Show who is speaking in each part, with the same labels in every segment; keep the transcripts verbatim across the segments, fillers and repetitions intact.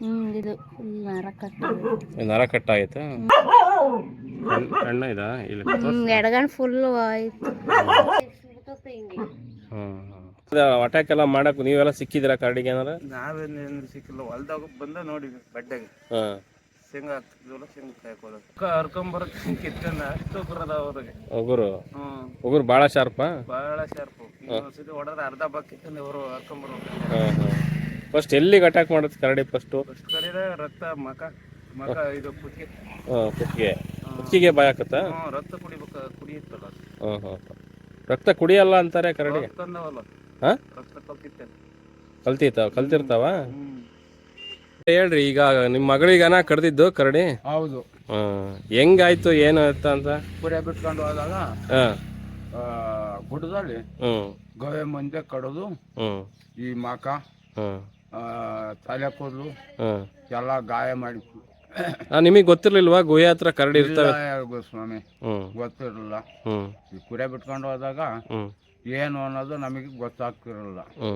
Speaker 1: ಹ್ಮ್ ಇದು ನರ ಕಟ್ಟ
Speaker 2: ನರ ಕಟ್ ಆಯ್ತಾ? ಸಣ್ಣ ಇದಾ ಇಲ್ಲಿ
Speaker 1: ಎಡಗಣ್ ಫುಲ್ ಆಯ್ತು.
Speaker 2: ಅಟ್ಯಾಕ್ ಎಲ್ಲ ಮಾಡಕ್ ನೀವೆಲ್ಲ ಸಿಕ್ಕಿದಿರಾ ಕರಡಿಗೆ ಏನಾರ?
Speaker 3: ನಾವೇನು ಸಿಕ್ಕಿಲ್ಲ, ಹೊಲ್ದಾಗ ಬಂದ ನೋಡಿವಿ ಬಡ್ಡೆಗೆ.
Speaker 2: ಹಾಂ
Speaker 3: ಶೇಂಗಾ ಹಾಕ್ತಿದ್ವಲ್ಲ, ಶೇಂಗಾ ಕಾಯ್ಕೋದು ಹರ್ಕೊಂಬರಕ್ಕೆ ಕಿತ್ಕೊಂಡು ಅಷ್ಟು ಉಗುರದ ಅವ್ರಿಗೆ.
Speaker 2: ಉಗುರು
Speaker 3: ಹ್ಞೂ
Speaker 2: ಉಗುರು ಭಾಳ ಶಾರ್ಪಾ?
Speaker 3: ಭಾಳ ಶಾರ್ಪು. ಇನ್ನೊಂದ್ಸತಿ ಹೊಡೆದ್ರೆ ಅರ್ಧ ಬಾಕ್ ಕಿತ್ಕೊಂಡು ಅವರು ಹರ್ಕೊಂಬರ್ಬೇಕು.
Speaker 2: ಹಾಂ ಹಾಂ ಫಸ್ಟ್ ಎಲ್ಲಿಗೆ ಅಟ್ಯಾಕ್ ಮಾಡುತ್ತೆ ಕರಡಿ? ಫಸ್ಟು
Speaker 3: ಫಸ್ಟ್ ಕರೀದೆ ರಕ್ತ ಮಕ ಮಕ ಇದು ಕುತ್ತಿಗೆ.
Speaker 2: ಹಾಂ ಕುತ್ತಿಗೆ ಕುತ್ತಿಗೆ ಭಯ ಆಕತ್ತಾ?
Speaker 3: ಹ್ಞೂ ರಕ್ತ ಕುಡಿಬೇಕು, ಕುಡಿಯುತ್ತಲ್ಲ.
Speaker 2: ಹಾಂ ಹಾಂ ರಕ್ತ ಕುಡಿಯಲ್ಲ ಅಂತಾರೆ ಕರಡಿ.
Speaker 3: ತಂದವಲ್ಲ
Speaker 2: ಹಾಂ
Speaker 3: ರಕ್ತ ಕಲ್ತಿತ್ತೆ.
Speaker 2: ಕಲ್ತಿರ್ತಾವ ಕಲ್ತಿರ್ತಾವ ಹೇಳ್ರಿ. ಈಗ ನಿಮ್ಮ ಮಗಳಿಗನ ಕಡ್ದಿದ್ದು ಕರಡಿ?
Speaker 3: ಹೌದು.
Speaker 2: ಹಾಂ ಹೆಂಗಾಯ್ತು ಏನು ಅಂತ ಅಂತ?
Speaker 3: ಕುರಿ ಬಿಟ್ಕೊಂಡು ಹೋದಾಗ
Speaker 2: ಹಾಂ
Speaker 3: ಗುಡ್ಡದಲ್ಲಿ
Speaker 2: ಹ್ಞೂ
Speaker 3: ಗೋವೆ ಮುಂದೆ ಕಡೋದು,
Speaker 2: ಹ್ಞೂ
Speaker 3: ಈ ಮಕ
Speaker 2: ಹಾಂ
Speaker 3: ತಲೆ ಕೂದಲು
Speaker 2: ಹಾಂ
Speaker 3: ಎಲ್ಲ ಗಾಯ ಮಾಡಿತ್ತು.
Speaker 2: ನಿಮಗೆ ಗೊತ್ತಿರ್ಲಿಲ್ವಾ ಗುಹೆ ಹತ್ರ ಕರಡಿ ಇರ್ತವೆ?
Speaker 3: ಸ್ವಾಮಿ
Speaker 2: ಹ್ಞೂ
Speaker 3: ಗೊತ್ತಿರಲಿಲ್ಲ.
Speaker 2: ಹ್ಞೂ
Speaker 3: ಈ ಕುರಿ ಬಿಟ್ಕೊಂಡು ಹೋದಾಗ
Speaker 2: ಹ್ಞೂ
Speaker 3: ಏನು ಅನ್ನೋದು ನಮಗೆ ಗೊತ್ತಾಗ್ತಿರಲಿಲ್ಲ.
Speaker 2: ಹ್ಞೂ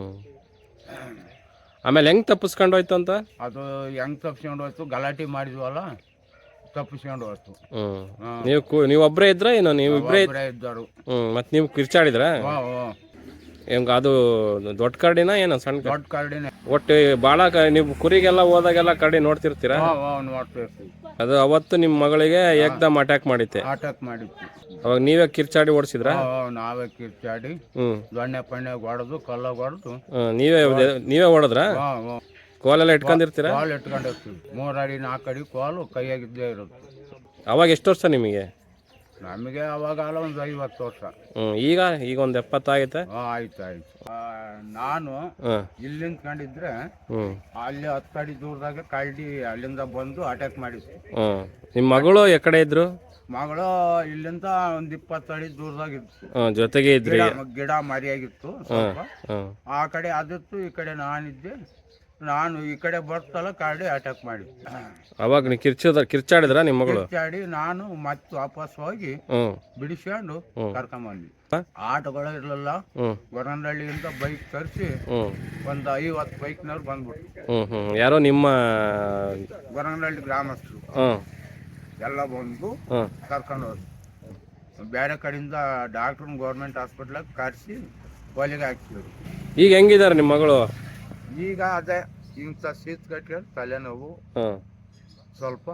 Speaker 2: ಆಮೇಲೆ ಹೆಂಗೆ ತಪ್ಪಿಸ್ಕೊಂಡು ಹೋಯ್ತು ಅಂತ?
Speaker 3: ಅದು ಹೆಂಗ್ ತಪ್ಪಿಸ್ಕೊಂಡು ಹೋಯ್ತು, ಗಲಾಟೆ ಮಾಡಿದ್ವಲ್ಲ, ತಪ್ಪಿಸ್ಕೊಂಡು ಹೋಯ್ತು.
Speaker 2: ಹ್ಞೂ ನೀವು ಕು ನೀವು ಒಬ್ಬರೇ ಇದ್ರ ಏನೋ? ನೀವು ಇಬ್ಬರೇ
Speaker 3: ಇದ್ದರು.
Speaker 2: ಹ್ಞೂ ಮತ್ತು ನೀವು ಕಿರ್ಚಾಡಿದ್ರ? ಹೆಂಗೆ ಅದು ದೊಡ್ಡ ಕರಡಿನ ಏನೋ ಸಣ್ಣ?
Speaker 3: ದೊಡ್ಡ ಕರಡಿನೇ.
Speaker 2: ಒಟ್ಟು ಭಾಳ ಕ ನೀವು ಕುರಿಗೆಲ್ಲ ಹೋದಾಗೆಲ್ಲ ಕರಡಿ ನೋಡ್ತಿರ್ತೀರಾ?
Speaker 3: ನೋಡ್ತಿರ್ತೀವಿ.
Speaker 2: ಅದು ಅವತ್ತು ನಿಮ್ಮ ಮಗಳಿಗೆ ಏಕ್ದಮ್ ಅಟ್ಯಾಕ್ ಮಾಡಿತ್ತೆ?
Speaker 3: ಅಟ್ಯಾಕ್ ಮಾಡಿತ್ತು.
Speaker 2: ಅವಾಗ ನೀವೇ ಕಿರ್ಚಾಡಿ ಓಡಿಸಿದ್ರಾ?
Speaker 3: ನಾವೇ ಕಿರ್ಚಾಡಿ
Speaker 2: ಹ್ಞೂ
Speaker 3: ದೊಣ್ಣೆ ಪಣ್ಣೆ ಹೊಡೆದು ಕಲ್ಲ ಹೊಡೆದು
Speaker 2: ನೀವೇ ನೀವೇ ಹೊಡೆದ್ರಾ? ಕೋಲೆಲ್ಲ ಇಟ್ಕೊಂಡಿರ್ತೀರಾ?
Speaker 3: ಕೋಲ್ ಇಟ್ಕೊಂಡಿರ್ತೀವಿ. ಮೂರು ಅಡಿ ನಾಲ್ಕು ಅಡಿ ಕೋಲು ಕೈಯಾಗಿದ್ದೇ ಇರುತ್ತೆ.
Speaker 2: ಅವಾಗ ಎಷ್ಟು ವರ್ಷ ನಿಮಗೆ?
Speaker 3: ನಮಗೆ ಅವಾಗ ಅಲ್ಲ ಒಂದು ಐವತ್ತು ವರ್ಷ.
Speaker 2: ಹ್ಞೂ ಈಗ ಈಗ ಒಂದು ಎಪ್ಪತ್ತಾಗೈತೆ?
Speaker 3: ಆಯ್ತು ಆಯ್ತು. ನಾನು
Speaker 2: ಹಾಂ
Speaker 3: ಇಲ್ಲಿ ನಿಂತ್ಕೊಂಡಿದ್ರೆ
Speaker 2: ಹ್ಞೂ
Speaker 3: ಅಲ್ಲಿ ಹತ್ತು ಅಡಿ ದೂರದಾಗ ಕರಡಿ ಅಲ್ಲಿಂದ ಬಂದು ಅಟ್ಯಾಕ್ ಮಾಡಿತ್ತು.
Speaker 2: ಹ್ಞೂ ನಿಮ್ಮ ಮಗಳು ಎಕಡೆ ಇದ್ರು?
Speaker 3: ಮಗಳು ಇಲ್ಲಿಂದ ಒಂದು ಇಪ್ಪತ್ತು ಅಡಿ ದೂರದಾಗ ಇತ್ತು.
Speaker 2: ಹಾಂ ಜೊತೆಗೆ ಇದ್ರಿ?
Speaker 3: ಗಿಡ ಮರಿಯಾಗಿತ್ತು ಸ್ವಲ್ಪ.
Speaker 2: ಹಾಂ
Speaker 3: ಆ ಕಡೆ ಅದಿತ್ತು, ಈ ಕಡೆ ನಾನಿದ್ದೆ. ನಾನು ಈ ಕಡೆ ಬರ್ತಲ್ಲ ಕರಡಿ ಅಟ್ಯಾಕ್ ಮಾಡಿದ್ದು.
Speaker 2: ಅವಾಗ ನೀವು ಕಿರ್ಚೋದ ಕಿರ್ಚಾಡಿದ್ರ ನಿಮ್ಮ ಮಗಳು?
Speaker 3: ಕಿರ್ಚಾಡಿ ನಾನು ಮತ್ತೆ ವಾಪಸ್ ಹೋಗಿ
Speaker 2: ಹ್ಞೂ
Speaker 3: ಬಿಡಿಸ್ಕೊಂಡು ಕರ್ಕೊಂಬಂದ್ವಿ. ಆಟೋಗಳು ಇರಲಿಲ್ಲ.
Speaker 2: ಹ್ಞೂ
Speaker 3: ಗೊರನಹಳ್ಳಿಯಿಂದ ಬೈಕ್ ತರಿಸಿ
Speaker 2: ಹ್ಞೂ
Speaker 3: ಒಂದು ಐವತ್ತು ಬೈಕ್ನವ್ರು ಬಂದ್ಬಿಟ್ಟು.
Speaker 2: ಹ್ಞೂ ಹ್ಞೂ ಯಾರೋ ನಿಮ್ಮ
Speaker 3: ಗೊರನಹಳ್ಳಿ ಗ್ರಾಮಸ್ಥರು
Speaker 2: ಹ್ಞೂ
Speaker 3: ಎಲ್ಲ ಬಂದು
Speaker 2: ಹ್ಞೂ
Speaker 3: ಕರ್ಕೊಂಡು ಹೋದ್ರು. ಬೇರೆ ಕಡೆಯಿಂದ ಡಾಕ್ಟ್ರನ್ನ ಗೌರ್ಮೆಂಟ್ ಹಾಸ್ಪಿಟ್ಲಾಗ ಕರೆಸಿ ಒಲೆಗೆ ಹಾಕ್ತಿದ್ರು.
Speaker 2: ಈಗ ಹೆಂಗಿದ್ದಾರೆ ನಿಮ್ಮ ಮಗಳು?
Speaker 3: ಈಗ ಅದೇ ಇಂಥ ಶೀತ ಕಟ್ಕೊಂಡು ತಲೆನೋವು,
Speaker 2: ಹಾಂ
Speaker 3: ಸ್ವಲ್ಪ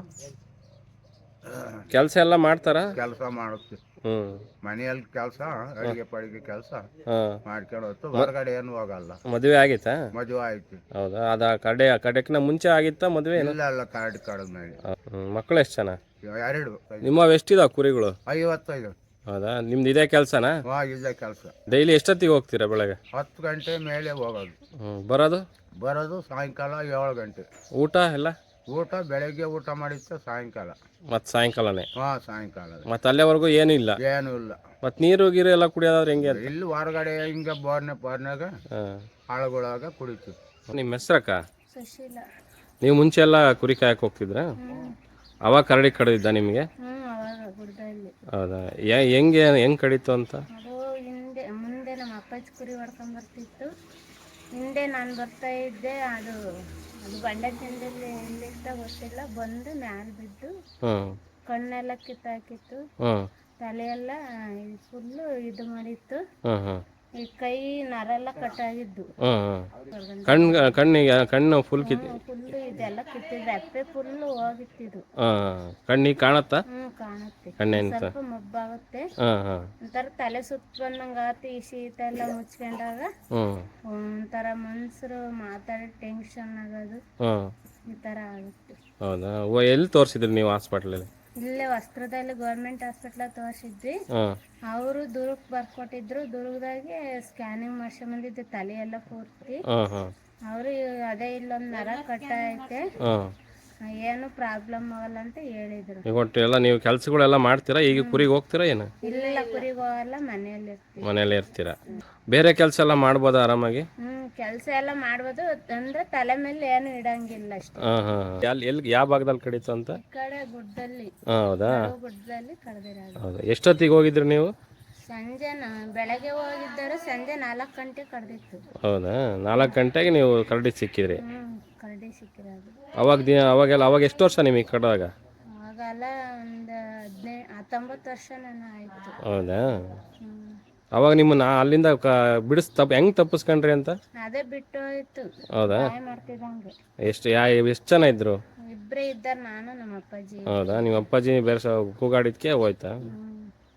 Speaker 2: ಕೆಲಸ ಎಲ್ಲ ಮಾಡ್ತಾರ?
Speaker 3: ಕೆಲಸ ಮಾಡುತ್ತೆ.
Speaker 2: ಹ್ಞೂ
Speaker 3: ಮನೆಯಲ್ಲಿ ಕೆಲಸ, ಅಡಿಗೆ ಪಡಿಗೆ ಕೆಲಸ
Speaker 2: ಹಾಂ
Speaker 3: ಮಾಡ್ಕೊಂಡು ಹೋಗ್ತು. ಹೊರಗಡೆ ಏನು ಹೋಗಲ್ಲ.
Speaker 2: ಮದುವೆ ಆಗಿತ್ತಾ?
Speaker 3: ಮದುವೆ ಆಯ್ತು.
Speaker 2: ಹೌದಾ? ಅದು ಕಡೆ ಕಡೆಕ್ನ ಮುಂಚೆ ಆಗಿತ್ತಾ ಮದುವೆ?
Speaker 3: ಇಲ್ಲ ಎಲ್ಲ ಕಾರ್ಡ್ ಕಡದ ಮೇಲೆ.
Speaker 2: ಹ್ಞೂ ಮಕ್ಕಳು ಎಷ್ಟು ಜನ?
Speaker 3: ಎರಡು.
Speaker 2: ನಿಮ್ಮವು ಎಷ್ಟಿದಾವೆ ಕುರಿಗಳು?
Speaker 3: ಐವತ್ತೈದು.
Speaker 2: ಹೌದಾ? ನಿಮ್ದು ಇದೇ ಕೆಲಸನಾ?
Speaker 3: ಹಾಂ ಇದೇ ಕೆಲಸ.
Speaker 2: ಡೈಲಿ ಎಷ್ಟೊತ್ತಿಗೆ ಹೋಗ್ತೀರಾ ಬೆಳಗ್ಗೆ?
Speaker 3: ಹತ್ತು ಗಂಟೆ ಮೇಲೆ ಹೋಗೋದು.
Speaker 2: ಹ್ಞೂ ಬರೋದು?
Speaker 3: ಬರೋದು ಸಾಯಂಕಾಲ ಏಳು ಗಂಟೆ.
Speaker 2: ಊಟ ಎಲ್ಲ?
Speaker 3: ಊಟ ಬೆಳಗ್ಗೆ ಊಟ ಮಾಡಿತ್ತು, ಸಾಯಂಕಾಲ.
Speaker 2: ಮತ್ತು ಸಾಯಂಕಾಲನೇ?
Speaker 3: ಹಾಂ ಸಾಯಂಕಾಲ.
Speaker 2: ಮತ್ತು ಅಲ್ಲೇವರೆಗೂ ಏನೂ ಇಲ್ಲ?
Speaker 3: ಏನೂ ಇಲ್ಲ.
Speaker 2: ಮತ್ತು ನೀರು ಗೀರು ಎಲ್ಲ ಕುಡಿಯೋದಾದ್ರೆ ಹೆಂಗೆ?
Speaker 3: ಇಲ್ಲಿ ಹೊರಗಡೆ ಹಿಂಗೆ ಬೋರ್ನೆ ಬೋರ್ನಾಗ
Speaker 2: ಹಾಂ
Speaker 3: ಆಳುಗಳಾಗ ಕುಡಿತೀವಿ.
Speaker 2: ನಿಮ್ಮ ಹೆಸ್ರಕ್ಕ?
Speaker 1: ಸುಶೀಲ.
Speaker 2: ನೀವು ಮುಂಚೆ ಎಲ್ಲ ಕುರಿ ಕಾಯಕ್ಕೆ ಹೋಗ್ತಿದ್ರಾ? ಅವಾಗ ಕರಡಿ ಕಡಿದಿದ್ದ ನಿಮಗೆ?
Speaker 1: ಹ್ಞೂ ಅವಾಗ ಗುಡ್ಡಲ್ಲಿ.
Speaker 2: ಹೌದಾ? ಹೆಂಗೆ ಹೆಂಗೆ ಕಡಿತು ಅಂತ?
Speaker 1: ಅದು ಹಿಂದೆ ಮುಂದೆ ನಮ್ಮ ಅಪ್ಪಾಜಿ ಕುರಿ ಹೊಡ್ಕೊಂಡ್ ಬರ್ತಿತ್ತು. ಹಿಂದೆ ನಾನು ಬರ್ತಾ ಇದ್ದೆ. ಅದು ಅದು ಬಂಡೆ ತಿಂದಲ್ಲಿ ಎಲ್ಲಿತ್ತ ಗೊತ್ತಿಲ್ಲ, ಬಂದು ಮ್ಯಾಲೆ ಬಿದ್ದು
Speaker 2: ಹ್ಞೂ
Speaker 1: ಕಣ್ಣೆಲ್ಲ ಕಿತ್ತಾಕಿತ್ತು.
Speaker 2: ಹ್ಞೂ
Speaker 1: ತಲೆಯೆಲ್ಲ ಫುಲ್ಲು ಇದು ಮಾಡಿತ್ತು.
Speaker 2: ಹ್ಞೂ ಹ್ಞೂ
Speaker 1: ಈ ಕೈ ನರೆಲ್ಲ ಕಟ್ಟಾಗಿದ್ದು.
Speaker 2: ಹ್ಞೂ ಹ್ಞೂ ಕಣ್ಣು ಕಣ್ಣಿಗೆ ಕಣ್ಣು ಫುಲ್ ಕಿತ್ತು?
Speaker 1: ಫುಲ್ಲು ಇದೆಲ್ಲ ಕಿತ್ತಿದ್ದು, ರೆಪ್ಪೆ ಫುಲ್ಲು ಹೋಗಿತ್ತಿದ್ದು.
Speaker 2: ಹಾಂ ಕಣ್ಣಿಗೆ ಕಾಣತ್ತಾ?
Speaker 1: ಹ್ಞೂ ಕಾಣುತ್ತೆ.
Speaker 2: ಕಣ್ಣೇನು
Speaker 1: ಸ್ವಲ್ಪ ಮಬ್ಬಾಗುತ್ತೆ.
Speaker 2: ಹಾಂ ಹಾಂ
Speaker 1: ಒಂಥರ ತಲೆ ಸುತ್ತ ಬಂದಂಗೆ ಆತು. ಈ ಶೀತ ಎಲ್ಲ ಮುಚ್ಕೊಂಡಾಗ
Speaker 2: ಹ್ಞೂ
Speaker 1: ಒಂಥರ ಮನ್ಸರು ಮಾತಾಡಿ ಟೆನ್ಷನ್ ಆಗೋದು,
Speaker 2: ಹ್ಞೂ
Speaker 1: ಈ ಥರ ಆಗುತ್ತೆ.
Speaker 2: ಹೌದಾ? ಓ ಎಲ್ಲಿ ತೋರಿಸಿದ್ರಿ ನೀವು ಹಾಸ್ಪಿಟ್ಲಲ್ಲಿ?
Speaker 1: ಇಲ್ಲೇ ವಸ್ತ್ರದಲ್ಲಿ ಗೌರ್ಮೆಂಟ್ ಹಾಸ್ಪಿಟ್ಲಾಗ ತೋರಿಸಿದ್ವಿ.
Speaker 2: ಹಾಂ
Speaker 1: ಅವರು ದುರ್ಗಕ್ಕೆ ಬರ್ಕೊಟ್ಟಿದ್ರು. ದುರ್ಗದಾಗೆ ಸ್ಕ್ಯಾನಿಂಗ್ ಮಾಡ್ಸ್ಕೊಂಬಂದಿದ್ದು ತಲೆ ಎಲ್ಲ ಪೂರ್ತಿ.
Speaker 2: ಹಾಂ ಹಾಂ
Speaker 1: ಅವರು ಅದೇ ಇಲ್ಲೊಂದು ನರ ಕಟ್ಟ ಐತೆ,
Speaker 2: ಹಾಂ
Speaker 1: ಏನು ಪ್ರಾಬ್ಲಮ್ ಆಗಲ್ಲ ಅಂತ ಹೇಳಿದ್ರು.
Speaker 2: ಈಗ ಒಟ್ಟು ಎಲ್ಲ ನೀವು ಕೆಲಸಗಳೆಲ್ಲ ಮಾಡ್ತೀರಾ? ಈಗ ಕುರಿಗೆ ಹೋಗ್ತೀರಾ ಏನು?
Speaker 1: ಇಲ್ಲ ಕುರಿಗೆ ಹೋಗಲ್ಲ, ಮನೆಯಲ್ಲಿ ಇರ್ತೀವಿ.
Speaker 2: ಮನೇಲಿ ಇರ್ತೀರಾ? ಬೇರೆ ಕೆಲಸ ಎಲ್ಲ ಮಾಡ್ಬೋದಾ ಆರಾಮಾಗಿ?
Speaker 1: ಹ್ಞೂ ಕೆಲಸ ಎಲ್ಲ ಮಾಡ್ಬೋದು, ಅಂದ್ರೆ ತಲೆ ಮೇಲೆ ಏನು ಇಡಂಗಿಲ್ಲ ಅಷ್ಟೇ.
Speaker 2: ಹಾಂ ಹಾಂ ಎಲ್ಲಿ ಎಲ್ಲಿ ಯಾವ ಭಾಗದಲ್ಲಿ ಕಡಿತು ಅಂತ?
Speaker 1: ಈ ಕಡೆ ಗುಡ್ಡದಲ್ಲಿ.
Speaker 2: ಹಾಂ ಹೌದಾ?
Speaker 1: ಗುಡ್ಡದಲ್ಲಿ ಕಡ್ದಿರೋದು.
Speaker 2: ಹೌದಾ? ಎಷ್ಟೊತ್ತಿಗೆ ಹೋಗಿದ್ರಿ ನೀವು?
Speaker 1: ಸಂಜೆ ಬೆಳಗ್ಗೆ ಹೋಗಿದ್ದರು, ಸಂಜೆ ನಾಲ್ಕು ಗಂಟೆ ಕಡ್ದಿತ್ತು.
Speaker 2: ಹೌದಾ? ನಾಲ್ಕು ಗಂಟೆಗೆ ನೀವು ಕರಡಿ ಸಿಕ್ಕಿದ್ರಿ?
Speaker 1: ಹ್ಞೂ ಕರಡಿ ಸಿಕ್ಕಿರೋದು.
Speaker 2: ಅವಾಗ ದಿನ ಅವಾಗೆಲ್ಲ ಅವಾಗ ಎಷ್ಟು ವರ್ಷ ನಿಮಗೆ ಕಡ್ದಾಗ?
Speaker 1: ಆವಾಗೆಲ್ಲ ಒಂದು ಹದಿನೈದು ಹತ್ತೊಂಬತ್ತು ವರ್ಷ ನಾನು ಆಯಿತು.
Speaker 2: ಹೌದಾ?
Speaker 1: ಹ್ಞೂ
Speaker 2: ಅವಾಗ ನಿಮ್ಮನ್ನ ಅಲ್ಲಿಂದ ಕ ಬಿಡಿಸ್ ತಪ್ಪು ಹೆಂಗೆ ತಪ್ಪಿಸ್ಕೊಂಡ್ರಿ ಅಂತ?
Speaker 1: ಅದೇ ಬಿಟ್ಟು ಹೋಯ್ತು.
Speaker 2: ಹೌದಾ?
Speaker 1: ಸಹಾಯ ಮಾಡ್ತಿದ್ದಂಗೆ
Speaker 2: ಎಷ್ಟು ಯಾ ಎಷ್ಟು ಜನ ಇದ್ರು?
Speaker 1: ಇಬ್ಬರೇ ಇದ್ದಾರೆ, ನಾನು ನಮ್ಮ ಅಪ್ಪಾಜಿ.
Speaker 2: ಹೌದಾ? ನಿಮ್ಮ ಅಪ್ಪಾಜಿ ಬೇರೆ ಸ ಕೂಗಾಡಿದ್ಕೆ ಹೋಯ್ತಾ?
Speaker 1: ಹ್ಞೂ